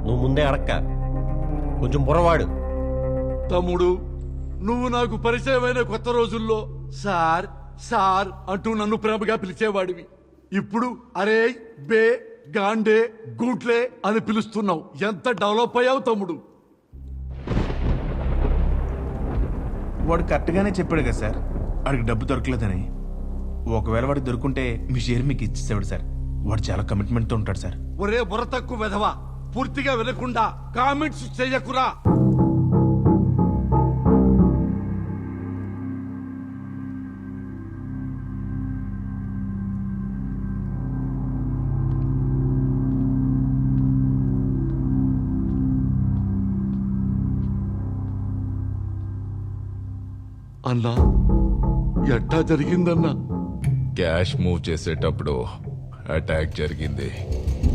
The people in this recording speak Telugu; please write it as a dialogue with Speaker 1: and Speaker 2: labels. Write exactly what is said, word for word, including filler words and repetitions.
Speaker 1: నువ్వు ముందే అడక్క, కొంచెం బుర్రవాడు.
Speaker 2: తమ్ముడు, నువ్వు నాకు పరిచయమైన కొత్త రోజుల్లో సార్ సార్ అంటూ నన్ను ప్రేమగా పిలిచేవాడివి. ఇప్పుడు అరే బే గాండే గూట్లే అని పిలుస్తున్నావు. ఎంత డెవలప్ అయ్యావు తమ్ముడు.
Speaker 3: వాడు కరెక్ట్గానే చెప్పాడు కదా సార్, వాడికి డబ్బు దొరకలేదని. ఒకవేళ వాడికి దొరుకుంటే మీ షేర్ మీకు ఇచ్చేసాడు సార్. వాడు చాలా కమిట్మెంట్తో ఉంటాడు సార్.
Speaker 2: ఒరే బుర్ర తక్కువ వెధవా, పూర్తిగా వినకుండా కామెంట్స్ చెయ్యకురా. అన్నా, ఎట్టా జరిగిందన్నా?
Speaker 4: క్యాష్ మూవ్ చేసేటప్పుడు అటాక్ జరిగింది.